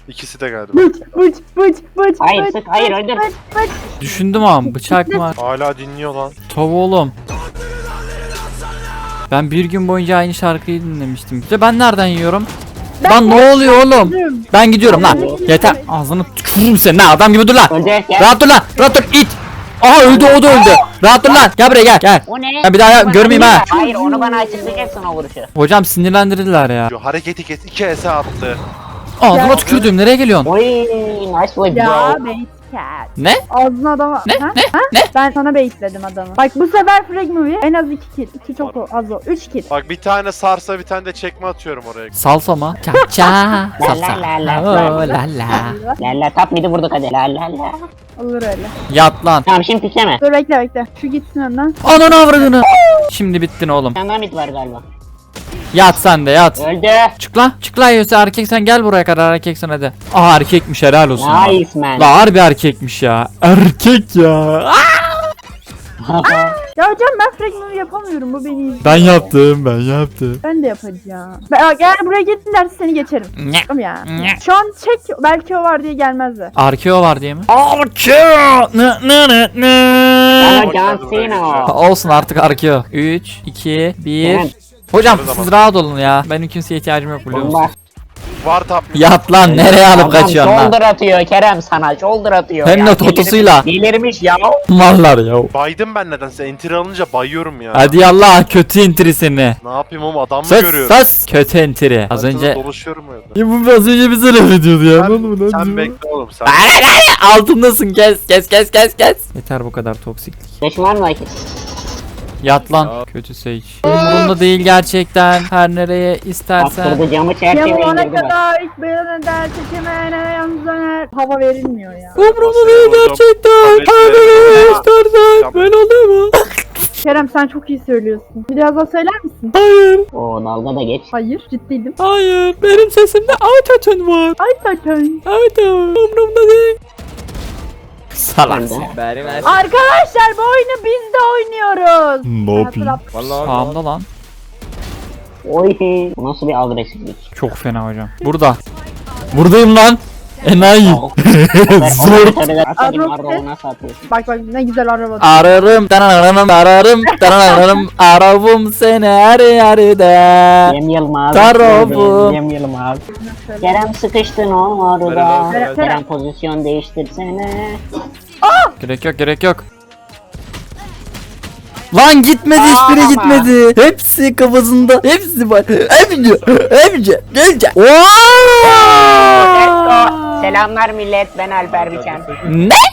İkisi de galiba. Bıç. Hayır, sık, hayır, öldür. Düşündüm ama bıçak mı var? Hala dinliyor lan. Tabii oğlum. Ben bir gün boyunca aynı şarkıyı dinlemiştim. İşte ben nereden yiyorum? Lan ne oluyor oğlum? Ben gidiyorum lan. Yeter. Ağzını tükürürüm seni lan. Adam gibi dur lan. Öldür, gel. Rahat dur lan. Rahat dur. İt. Aha öldü, o da öldü. Rahat dur lan. Gel buraya gel. O ne? Ya bir daha Bana görmeyeyim ha. Hayır, onu bana açıklayacaksın o vuruşu. Hocam sinirlendirdiler ya. Şu hareketi kes. 2 ese attı. Ağzına tükürdüm. Nereye geliyorsun? Oy, nice play Ya bro. bait cat. Ne? Ağzına adama. Ne? Ha? Ne? Ha? Ne? Ben sana baitledim adamı. Bak bu sefer frag movie en az 2 kill. 2 çok az o. 3 kill. Bak bir tane sarsa bir tane de çekme atıyorum oraya. Salsa mı? Ça ça. Salsa. La la la. Oh, la la. La top midi vurduk hadi. La la la. Olur öyle. Yat lan. Tamam, şimdi pikleme. Dur bekle. Şu gitsin önden. Ananı avradını. Şimdi bittin oğlum. Bir tane daha mid var galiba. Yat sen de yat. Öldü. Çık lan. Çık lan Yose, erkek sen gel buraya kadar, erkeksen hadi. Aa erkekmiş, helal olsun. lan. Nice man. La harbi erkekmiş ya. Erkek ya. Ya hocam ben frag movie yapamıyorum. Bu beni izliyor. Ben yaptım. Ben de yapacağım. Eğer buraya gelirlerse seni geçerim. Ne? Tamam ya. Şu an çek belki o var diye gelmezler. Arkeo var diye mi? Arkeo. Ama John Cena. Olsun artık Arkeo. 3, 2, 1. Evet. Hocam siz rahat olun ya. Benim kimseye ihtiyacım yok biliyor musun? Bomba. Var tap. Yat lan, nereye alıp kaçıyorsun lan? Shoulder atıyor Kerem sana. Shoulder atıyor. Hem ya. de totosuyla. Delirmiş ya. Mallar ya. Baydım ben nedense. Enter alınca bayıyorum ya. Hadi yallah, kötü entry seni. Ne yapayım oğlum, adam mı Sus görüyorum? sus. Kötü entry. Az Haritada önce. dolaşıyorum öyle. Ya bu az önce bize laf ediyordu ya. Sen bekle oğlum sen. Altındasın, kes. Yeter bu kadar toksiklik. Beşim var mı vakit? Yat lan. Kötü Sage. Umurumda değil gerçekten. Her nereye istersen. Bastırdı camı çerçeve Yamalana indirdi bak. kadar ilk beyanı der çekemene yalnız döner. Hava verilmiyor ya. Umurumda değil gerçekten. Her nereye istersen. Böyle oluyor mu? Kerem sen çok iyi söylüyorsun. Biraz daha söyler misin? Hayır. Oo, dalga da geç. Hayır ciddiydim. Hayır. Benim sesimde autotune var. Ay zaten. Autotune. Umurumda değil. Salak Ben de. sen. Arkadaşlar bu oyunu biz de oynuyoruz. Ne yapayım? Hatırlat. Sağımda lan. Oy. Bu nasıl bir agresiflik? Çok fena hocam. Burada. Buradayım lan. Enayi. Zor. Arrow nasıl atıyorsun? Bak ne güzel araba. Ararım, ararım seni her yerde. Cem Yılmaz. Tarafım. Cem Yılmaz. Kerem sıkıştın orada. Kerem. Kerem pozisyon değiştirsene. Gerek yok. Lan gitmedi, hiçbiri Ama. gitmedi. Hepsi kafasında. Hepsi var. Hepsi. Selamlar millet, ben Alper Biçen. Ne?